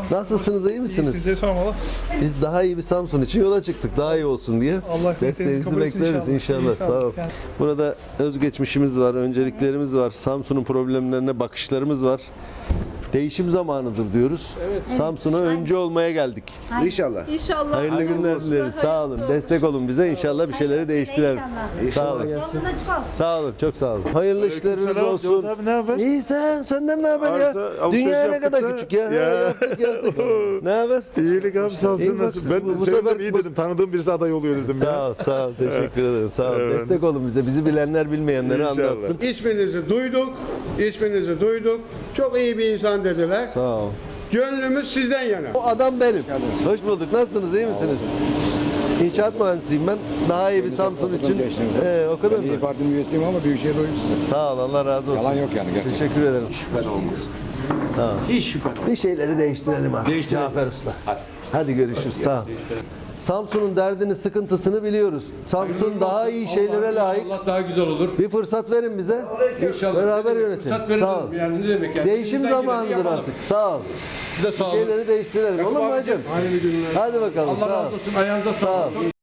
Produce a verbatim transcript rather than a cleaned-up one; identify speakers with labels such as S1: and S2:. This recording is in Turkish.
S1: Nasılsınız, iyi
S2: İyi,
S1: misiniz?
S2: size sormalı.
S1: Biz daha iyi bir Samsun için yola çıktık, daha iyi olsun diye.
S2: Allah
S1: Desteğinizi
S2: kabul etsin
S1: bekleriz inşallah.
S2: inşallah.
S1: Sağ ol.
S2: Yani-
S1: Burada özgeçmişimiz var, önceliklerimiz var, Samsun'un problemlerine bakışlarımız var. Değişim zamanıdır diyoruz. Samsun'a öncü olmaya geldik.
S3: İnşallah.
S4: İnşallah.
S1: Hayırlı günler dileriz. Sağ olun. Destek olun bize. İnşallah bir şeyleri değiştirelim. Sağ olun.
S5: Yolunuz açık olsun.
S1: Sağ olun. Çok sağ olun. Hayırlı işleriniz
S3: Aleykümselam.
S1: olsun.
S3: Cevat abi ne haber?
S1: İyi sen. Senden ne haber ya?
S3: Arsa, alışveriş
S1: Dünya ne
S3: yaptık
S1: kadar
S3: da.
S1: küçük ya.
S3: Ya.
S1: Yaptık yaptık. Ne haber?
S3: İyilik abi sağ
S1: İyi
S3: olsun.
S1: bak,
S3: Nasıl? Ben
S1: bu- bu
S3: sevindim
S1: sefer-
S3: iyi
S1: bu-
S3: dedim. Tanıdığım birisi aday oluyor dedim ya.
S1: Sağ ol, sağ ol. Teşekkür ederim. Sağ ol.
S3: Evet.
S1: Destek olun bize. Bizi bilenler bilmeyenleri
S3: İnşallah.
S1: anlatsın.
S6: İsminizi duyduk, isminizi duyduk. Çok iyi bir insan dediler.
S1: Sağ ol.
S6: Gönlümüz sizden yana.
S1: O adam benim. Hoş bulduk. Nasılsınız? İyi misiniz? İnşaat mühendisiyim ben. Daha iyi bir Samsun için. Ee, o kadar
S7: Ben İYİ
S1: mı?
S7: Parti'nin üyesiyim ama Büyükşehir oyuncusuyum.
S1: Sağ ol. Allah razı olsun.
S7: Yalan yok yani gerçekten.
S1: Teşekkür ederim.
S8: Şüphen olmaz.
S1: Tamam.
S8: Hiç şüphen olmaz.
S1: Bir şeyleri değiştirelim abi.
S8: Değiştirelim.
S1: Cafer Usta.
S8: Hadi.
S1: Hadi görüşürüz. Sağ ol. Samsun'un derdini, sıkıntısını biliyoruz. Samsun daha iyi şeylere layık.
S6: Allah daha güzel olur.
S1: Bir fırsat verin bize.
S6: İnşallah.
S1: Beraber
S6: Ne demek,
S1: yönetelim.
S6: fırsat verin
S1: Sağ ol.
S6: dedim. Yani ne demek yani?
S1: Değişim
S6: Elimizden geleni
S1: zamanıdır
S6: yapalım.
S1: artık. Sağ ol.
S6: Size sağ olun.
S1: Şeyleri değiştirelim. Olur mu hacım?
S6: Hayırlı günler.
S1: Hadi bakalım.
S6: Allah
S1: Sağ ol.
S6: razı olsun. Ayağınıza
S1: Sağ
S6: sağlık.
S1: ol.